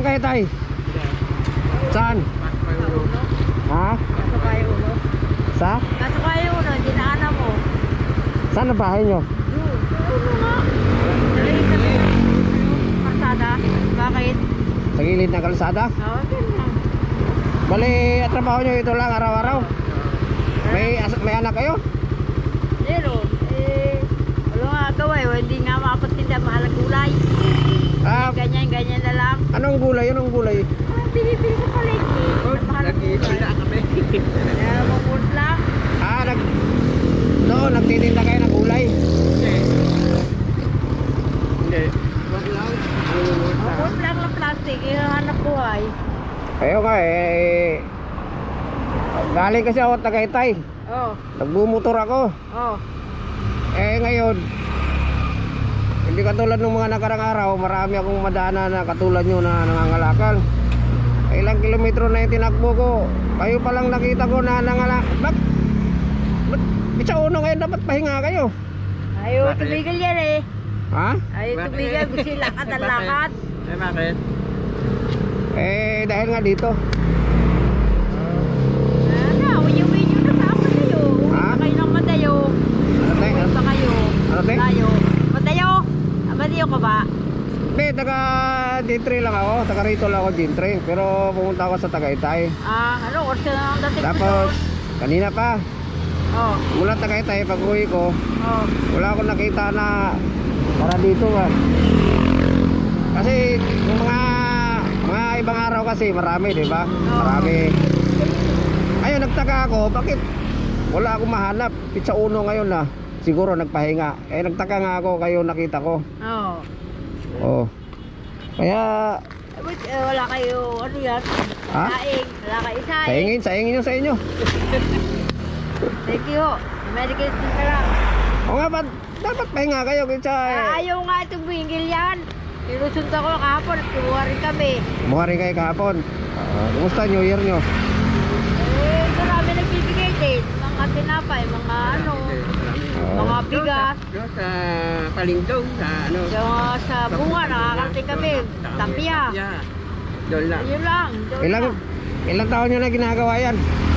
Saan kayo tay? Saan? Ha? Kaso kayo ulo. Sa? Kaso kayo ulo, hindi na alam mo. Saan ang bahay nyo? Ulo nga. Dali. Karsada. Bakit? Sa gilid ng kalsada? Oo, ganyan. Bali, at trabaho nyo ito lang araw-araw? May anak kayo? Zero. Wala nga gawa eh. Hindi nga makapatinda. Mahal ang gulay. Ganyan na lang. Anong gulay? Anong gulay? Binibili ko pala eh. Mahal ang gulay. Mamut lang. Doon, nagtitinda kayo ng gulay? Hindi. Wag lang. Mamut lang ng plastic. Hanap buhay. Kayo nga eh. Galing kasi ako Tagaytay. Oh. Nagbumotor ako. Oh. Eh ngayon, hindi katulad ng mga nakarang araw, marami akong madaanan na katulad nyo na nangangalakal. Ilang kilometro na yung tinakbo ko. Kayo palang nakita ko na nangangalakal. Ba't sa uno ngayon dapat pahinga kayo? Ayaw tumigil yan eh. Ha? Ayaw tumigil. Gusto yung lakad ang lakad. Eh, bakit? Eh dahil nga dito. Uwi nyo na sa Madayo. Uwi Ha? na kayo ng Madayo. Ano tayo? Uwi pa kayo. Ano tayo? Madayo. Madayo? Madayo ka ba? Hindi, taga G3 lang ako. Taga rito lang ako G3. Pero pumunta ako sa Tagaytay. Ano? Orsa na ang dating Tapos, kanina pa. Oh. Mula Tagaytay, pag uwi ko, Oh. wala akong nakita na para dito ba. Kasi yung mga ibang araw kasi marami, di ba? Marami. Ayun, nagtaka ako, bakit wala akong mahanap? Pizza Uno ngayon na. Siguro nagpahinga. Eh nagtaka nga ako, kayo nakita ko. Oh. Oh. Kaya Wala kayo, ano yan? Ha? Saing. Wala kayo saing. saingin yung sa inyo. Thank you. Merry Christmas ka lang. O nga, dapat pahinga kayo kaysa Ayaw nga itong bingil yan. Inusunta ko kahapon at kumuha rin kami. mukha rin kayo kahapon. Kumusta New Year nyo? Marami nagbibigay din. Mga tinapay, mga ano, mga bigas. Doon sa Palindong, sa ano. Sa bunga, nakakarating kami. Tapia. Doon lang. Yun lang. Ilang taon nyo na ginagawa yan?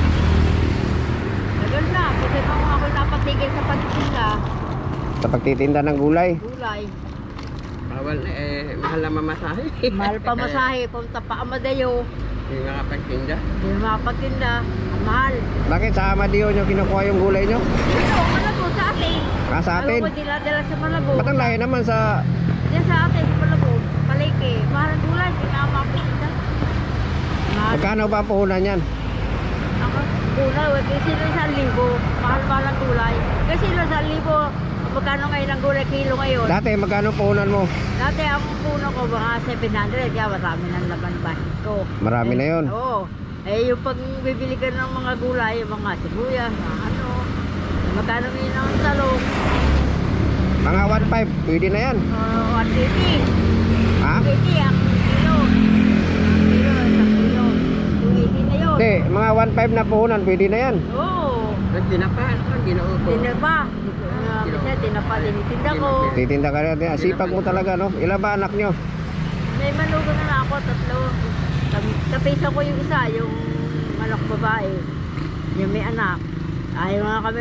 Tagal na. Kasi nung ako napatigil sa pagtitinda, Sa pagtitinda ng gulay. gulay. Bawal na eh, mahal na mamasahe. Mahal pa masahe. Punta pa Amadayo. Hindi makapagtinda. Hindi makapagtinda. Ang mahal. Bakit sa Amadeo nyo kinukuha yung gulay nyo? Ano, Malabo sa atin. Sa atin? Ayaw ko dila-dila sa Malabo. Ba't ang layo naman sa... Diyan sa atin, sa Malabo. Palike. Mahal ang gulay. Hindi nga makapagtinda. Mahal. Magkano ba ang puhunan yan? Ako, gulay. Kasi sila sa 1,000. Mahal-mahal ang gulay. Kasi sila sa 1,000. Magkano ngayon ang gulay kilo ngayon? Dati magkano puhunan mo? Dati ang puno ko mga 700. Kaya marami ng laman bahin ko. Marami na yun. Oo. Yung pag bibili ka ng mga gulay, yung mga sibuyas, mga ano. Magkano ngayon ang talong? Mga 1.5, pwede na yan. 180. Ha? 280 ang kilo. Isang kilo. 280 na yun. Hindi, mga 1.5 na puhunan, pwede na yan. Oo. Dinapa, ano, ginaupo. Tinapa. Kasi tinapa tinitinda ko. Titinda ka rin. Sipag mo talaga, no? Ilan ba anak nyo? May manugo na ako, 3. Kapisa ko yung isa, yung anak babae. Yung may anak. Ayaw nga kami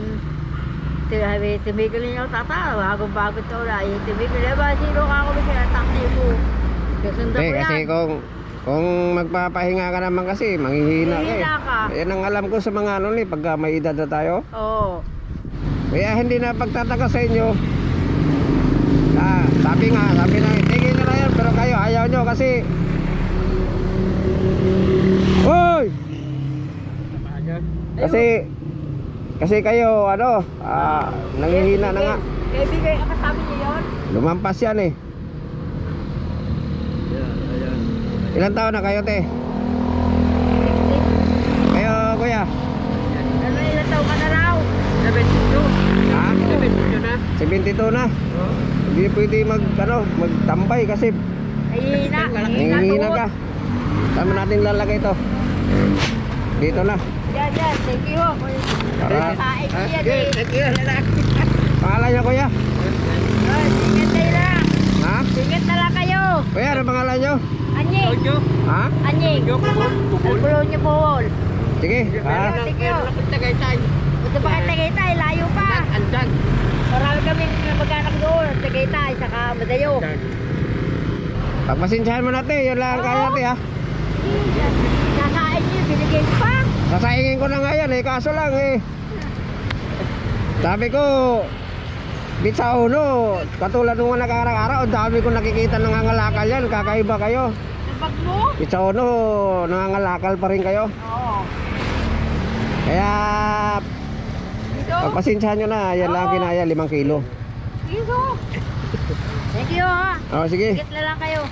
tumigil niyo tata. Bago-bago ito na. Yung tumigil. Diba, sino ka ako siya? Taksi mo. Kasundan ko Kasi yan. kung magpapahinga ka naman kasi, manghihina ka eh. Manghihina ka. Yan ang alam ko sa mga ano pagka may edad na tayo. Oo. Kaya hindi na pagtataka sa inyo. Sabi na, tigil nyo na yan, pero kayo ayaw nyo kasi. Hoy! Kasi kayo, ano, nanghihina na nga. Kaibigan, kasabi niyo yun? Lumampas yan eh. Ayan. Ilan taon na kayo, te? Kayo, kuya? Ano, ilang taon ka na raw? 72. Ha? 72 na. 72 na. Oh. Hindi pwede magtambay kasi Hihina. nanghihina ka. Saan mo natin lalagay ito? Dito na. Yan. Thank you. Para. Kain ko yan eh. Thank you. Pangalan niya, kuya? Ingat kayo lang. Ha? Ingat na lang kayo. Kuya, ano pangalan nyo? Anying. Ojo. Ha? Anying. Ojo, kubol. Kubol. Albulo niyo po. Sige. Meron lang, meron lang kung Tagaytay. Ito ba kayo Tagaytay? Layo pa. Andan. Marami kami mag-anak doon. Tagaytay, saka Madayo. Andan. Pagpasensyahan mo natin, yun lang kaya natin ha. Nakain niyo, binigay niyo pa. Sasaingin ko na nga yan eh, kaso lang eh. Sabi ko, bit sa uno, katulad nung mga nakarang-araw, ang dami ko nakikita nangangalakal yan, kakaiba kayo. Ang bag mo? Bit sa uno, nangangalakal pa rin kayo. Oo. Kaya, Dito. pagpasensyahan nyo na, yan lang kinaya, 5 kilo. Dito. Thank you ha. O sige, Ingat na lang kayo.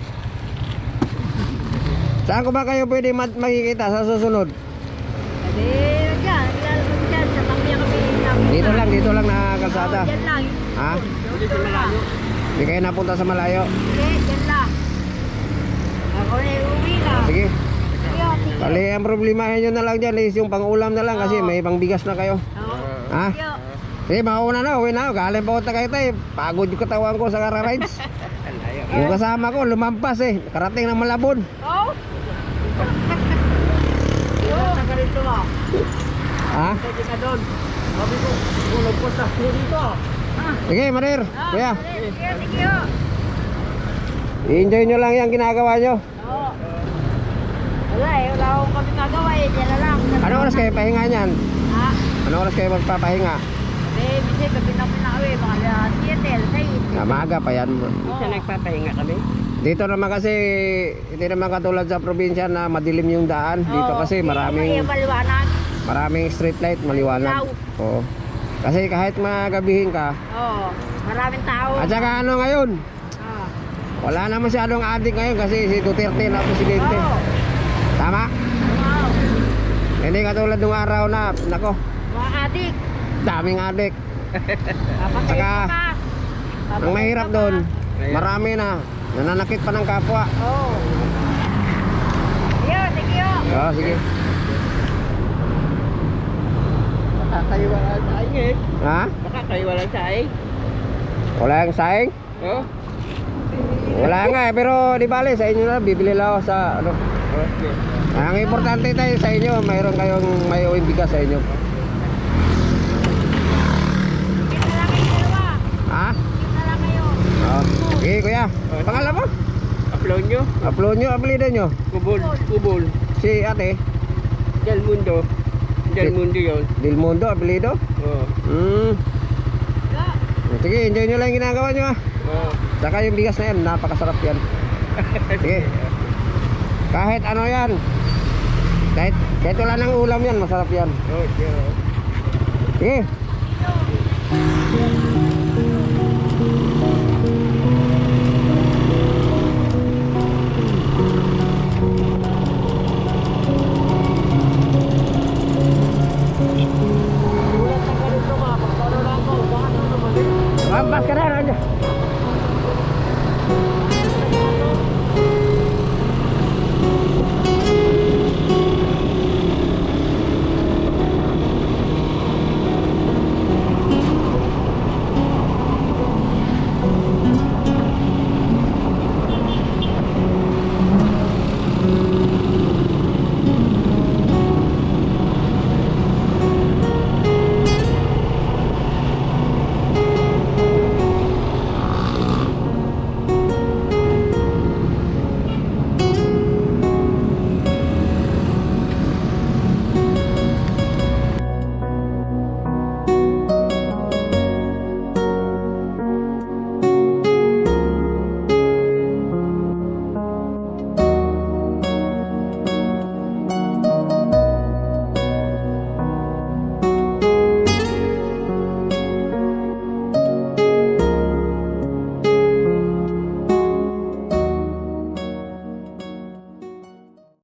saan ko ba kayo pwede makikita sa susunod? Sabi, dyan. Ilalabas dyan. Sa Tamiya kami. Dito lang na kalsada. Dyan lang. Ha? Dito lang. Hindi kayo napunta sa malayo. Hindi, dyan lang. Ako na uwi na. Sige, Sige. bali ang problemahin nyo na lang dyan is yung pang-ulam na lang kasi may pangbigas na kayo. Oo. Ha? Sige. Sige, mauna na, uwi na ako. Galing pa ako Tagaytay. Pagod yung katawan ko sa kararides. Yung kasama ko, lumampas eh. Karating ng Malabon. Oh. Ilan na ka rito ah. Ha? Pwede ka doon. Sabi ko, tulog ko sa dito. Sige, Marir. Kuya, Sige, thank you. i-enjoy nyo lang yung ginagawa nyo. Oo. Wala eh, wala akong kami nagawa eh. Diyan na lang. Ano oras kayo pahinga niyan? Ha? Ano oras kayo magpapahinga? Eh, bisi, gabi na pinakawi. Mga 7, 6. Maaga pa yan. Isa nagpapahinga kami. Dito naman kasi, hindi naman katulad sa probinsya na madilim yung daan. Dito kasi maraming Maliwanag. street light, maliwanag. Oo. Kasi kahit magabihin ka, Oo. Maraming tao. at saka ano ngayon, Oo. wala na masyadong adik ngayon kasi si Duterte na presidente. Oo. Tama? Wow. Hindi katulad nung araw na, nako, Mga adik. daming adik. Papatay Saka, ka. Ang mahirap doon, marami na, nananakit pa ng kapwa. Oo. Yo, thank you. Oo, sige. Makakaiwalan sa aing eh. Ha? Makakaiwalan sa aing. Wala yung saing? Oh? Wala nga eh, pero di bale, sa inyo na, bibili lang ako sa ano. Okay. Ang importante tayo sa inyo, mayroon kayong may uwing bigas sa inyo. Kita lang kayo dalawa. Ha? Kita lang kayo. Oo. Sige kuya, pangalan mo? Upload nyo. Upload nyo, apelido nyo. Kubol. Kubol. Si ate, Del Mundo. Del Mundo yun. Dilmundo, apelido. Oh. Yo. Sige, enjoy nyo lang yung ginagawa nyo ha. Oh. Saka yung bigas na yan, napakasarap yan. Sige. Kahit ano yan. Kahit wala ng ulam yan, masarap yan. Oh, yeah. Sige,